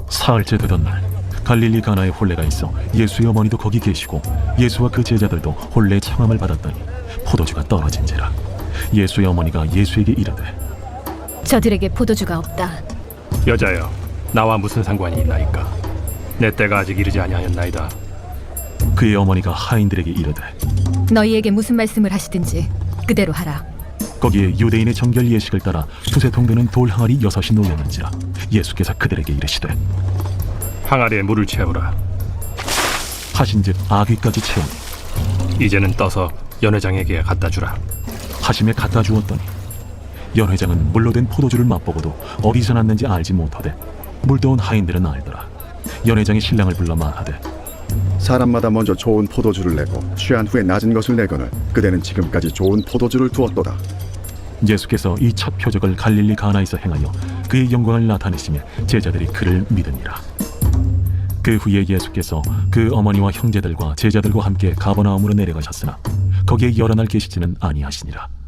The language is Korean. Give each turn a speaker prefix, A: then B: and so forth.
A: 사흘째 되던 날 갈릴리 가나에 혼례가 있어 예수의 어머니도 거기 계시고 예수와 그 제자들도 혼례의 청함을 받았더니 포도주가 떨어진지라. 예수의 어머니가 예수에게 이르되
B: 저들에게 포도주가 없다.
C: 여자여, 나와 무슨 상관이 있나이까? 내 때가 아직 이르지 아니하였나이다.
A: 그의 어머니가 하인들에게 이르되
B: 너희에게 무슨 말씀을 하시든지 그대로 하라.
A: 거기에 유대인의 정결 예식을 따라 두세 통 되는 돌 항아리 6이 놓였는지라. 예수께서 그들에게 이르시되
C: 항아리에 물을 채우라.
A: 하신즉 아귀까지 채우니
C: 이제는 떠서 연회장에게 갖다 주라.
A: 하심에 갖다 주었더니 연회장은 물로 된 포도주를 맛보고도 어디서 났는지 알지 못하되 물도온 하인들은 알더라. 연회장이 신랑을 불러 말하되
D: 사람마다 먼저 좋은 포도주를 내고 취한 후에 낮은 것을 내거늘 그대는 지금까지 좋은 포도주를 두었도다.
A: 예수께서 이 첫 표적을 갈릴리 가나에서 행하여 그의 영광을 나타내시며 제자들이 그를 믿으니라. 그 후에 예수께서 그 어머니와 형제들과 제자들과 함께 가버나움으로 내려가셨으나 거기에 여러 날 계시지는 아니하시니라.